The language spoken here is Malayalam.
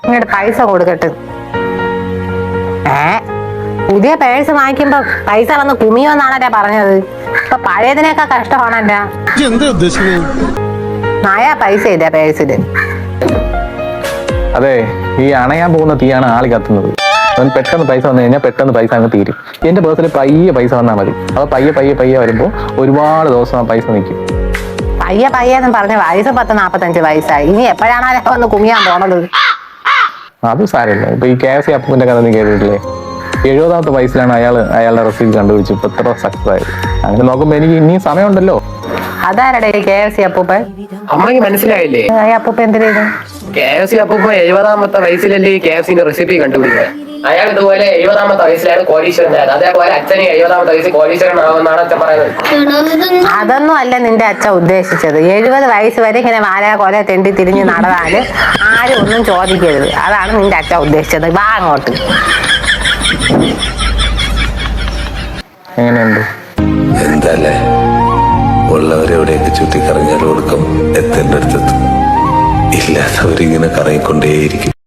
ഇങ്ങോട്ട് പൈസ കൊടുക്കട്ടെ. പുതിയ പേഴ്സ് വാങ്ങിക്കുമ്പോ പൈസ വന്ന് കുമിയോന്നാണല്ലേ പറഞ്ഞത്. ഇപ്പൊ പഴയതിനേക്കാ കഷ്ടമാണല്ല. നായാ പൈസ ഇല്ല പേഴ്സില്. അതെ, ഈ അണയാൻ പോകുന്ന തീയാണ് ആളി കത്തുന്നത്. അവൻ പെട്ടെന്ന് പൈസ വന്നു കഴിഞ്ഞാൽ പെട്ടെന്ന് പൈസ അങ്ങ് തീരും. എന്റെ പേഴ്സിൽ പയ്യെ പൈസ വന്നാൽ മതി. അപ്പൊ പയ്യെ വരുമ്പോ ഒരുപാട് ദിവസം ആ പൈസ നിൽക്കും. പയ്യെന്ന് പറഞ്ഞ വയസ്സ് 40-45 വയസ്സായി. ഇനി എപ്പോഴാണോ വന്ന് കുമിയാൻ പോണത്? അത് സാരമില്ല. ഇപ്പൊ ഈ KFC അപ്പൂന്റെ കഥ നീ കേട്ടിട്ടില്ലേ? 70ാമത്തെ വയസ്സിലാണ് അയാളുടെ റെസിപ്പി കണ്ടുപിടിച്ച് ഇപ്പൊ ഇത്ര സക്സസ് ആയത്. അങ്ങനെ നോക്കുമ്പോ എനിക്ക് ഇനിയും സമയമുണ്ടല്ലോ. അതാരടെ KFC അപ്പൂപ്പൻ? അമ്മയ്ക്ക് മനസ്സിലായില്ലേ? അപ്പൂപ്പ എന്തിനാ KFC അപ്പൂപ്പ 70ാമത്തെ വയസ്സിലല്ലേ KFCന്റെ റെസിപ്പി കണ്ടുപിടിക്കുന്നത്. അയാൾ ഇതുപോലെ 70ാമത്തെ വയസ്സിലാണ് കോടീശ്വരനായത്. അതേപോലെ അച്ഛന് 70ാമത്തെ വയസ്സിൽ കോടീശ്വരനാവുമെന്നാണ് അച്ഛൻ പറയുന്നത്. അതൊന്നും അല്ല നിന്റെ അച്ഛൻ ഉദ്ദേശിച്ചത്. 70 വയസ്സ് വരെ ഇങ്ങനെ വാല കൊല തെണ്ടി തിരിഞ്ഞ് നടന്നാല് ആരും ഒന്നും ചോദിക്കരുത്. അതാണ് നിന്റെ അച്ഛൻ ഉദ്ദേശിച്ചത്. വാ അങ്ങോട്ട്. എങ്ങനെയുണ്ട്? എന്താല്ലേ, ഉള്ളവരെവിടെയൊക്കെ ചുറ്റിക്കറങ്ങിയാൽ ഒടുക്കം എത്തേണ്ട അടുത്തെത്തും. ഇല്ലാത്തവരിങ്ങനെ കറങ്ങിക്കൊണ്ടേയിരിക്കും.